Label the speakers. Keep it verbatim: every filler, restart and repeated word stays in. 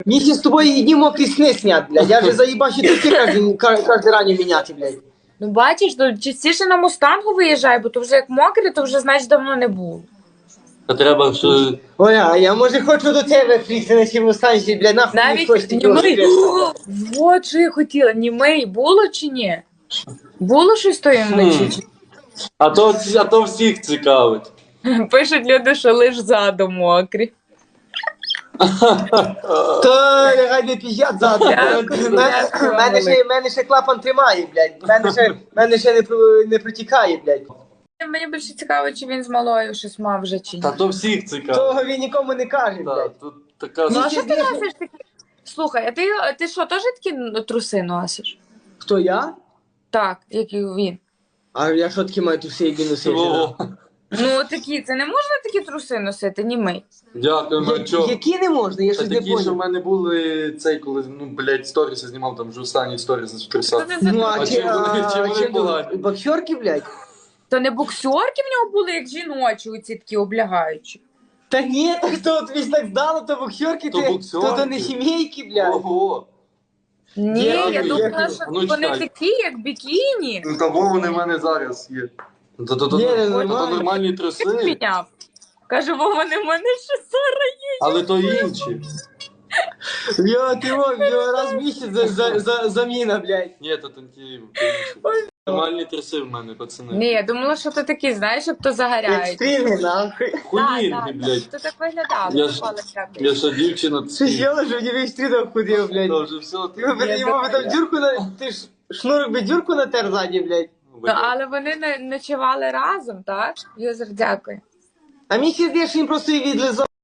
Speaker 1: Місі з тобою одні мокрі сни снять, блядь. Я вже заїбачу тільки кожен, кожен ранню міняти, блядь.
Speaker 2: Ну бачиш, то частіше на Мустангу виїжджай, бо то вже як мокре, то вже значить давно не було.
Speaker 3: Та треба, що...
Speaker 1: Ой, а я може хочу до тебе приїхати на цьому станції, блядь, нахуй не
Speaker 2: Навіть
Speaker 1: хочете
Speaker 2: німий. Вот що я хотіла. Німий було чи ні? Було щось тої вночі? чи-
Speaker 3: А то, а то всіх цікавить.
Speaker 2: Пишуть люди, що лиш ззаду мокрі.
Speaker 1: То нехай не піздять ззаду.
Speaker 2: Дякую,
Speaker 1: Мене-
Speaker 2: дякую,
Speaker 1: Мене ще, мене ще клапан тримає, блядь. Мене ще, мене ще не, про- не протікає, блядь.
Speaker 2: Мені більше цікаво, чи він з малою щось мав вже чи ні.
Speaker 3: Та то всіх цікавить.
Speaker 1: Того він нікому не каже,
Speaker 3: Та,
Speaker 1: блядь.
Speaker 3: тут така...
Speaker 2: Ну а
Speaker 1: Ні,
Speaker 2: що ти
Speaker 1: ні, ні.
Speaker 2: носиш такі? Слухай, а ти, ти що, теж такі ну, труси носиш?
Speaker 1: Хто я?
Speaker 2: Так, як і він.
Speaker 1: А я що таки маю тут всі носити?
Speaker 3: О,
Speaker 2: Ну такі, це не можна такі труси носити, німий.
Speaker 3: дякую, ну
Speaker 1: Я-
Speaker 3: чо?
Speaker 1: Які не можна, я
Speaker 3: Та
Speaker 1: щось не
Speaker 3: такі, що в
Speaker 1: понял.
Speaker 3: мене були цей, коли, ну, блядь, сторіси знімав, там вже останні сторіси з
Speaker 2: Що
Speaker 3: трусах.
Speaker 2: це за
Speaker 1: Ну,
Speaker 3: А
Speaker 1: а
Speaker 3: чим
Speaker 1: чи,
Speaker 3: вони- чим
Speaker 1: а,
Speaker 3: вони
Speaker 1: чим
Speaker 3: погані?
Speaker 1: боксерки, блядь?
Speaker 2: То не боксерки в нього були, як жіночі, оці такі облягаючі.
Speaker 1: Та ні, так то тобі ж так здало, то боксерки,
Speaker 3: То
Speaker 1: ти,
Speaker 3: боксерки.
Speaker 1: то, то не сімейки, блядь.
Speaker 3: Ого!
Speaker 2: Ні,
Speaker 1: Дякую,
Speaker 2: я думала,
Speaker 1: дякую.
Speaker 2: що
Speaker 3: Ну,
Speaker 2: вони
Speaker 3: чекай.
Speaker 2: такі, як бікіні.
Speaker 3: Ну того вони в мене зараз є. То, то, то,
Speaker 1: Ні,
Speaker 3: то, то,
Speaker 1: нормально.
Speaker 3: нормальні труси,
Speaker 2: Підняв. Каже, бо вони в мене ще сора є.
Speaker 3: але то інші.
Speaker 1: Йо, ти во, йо, раз в місяць за, за, за, заміна, блядь.
Speaker 3: Ні, то то ті то інші. Нормальні труси в мене, пацани.
Speaker 2: Ні, я думала, що то такі, знаєш, як то загоряють.
Speaker 1: Екстрімні, нахуй.
Speaker 3: Хулінги, блядь.
Speaker 2: То так виглядало.
Speaker 3: Я ж-
Speaker 2: попала всяке.
Speaker 3: Я що дівчина...
Speaker 1: Що з'їла, що в ній весь стрінок ходив, блядь.
Speaker 3: Та вже все.
Speaker 1: Ти би
Speaker 2: Я
Speaker 1: йому би там
Speaker 2: думаю.
Speaker 1: дюрку на... Ти ж шнурок би дюрку натер ззаді, блядь.
Speaker 2: Ну, але вони не ночували разом, так? Юзер, дякую.
Speaker 1: А мені ще здається, що він просто її відлизав.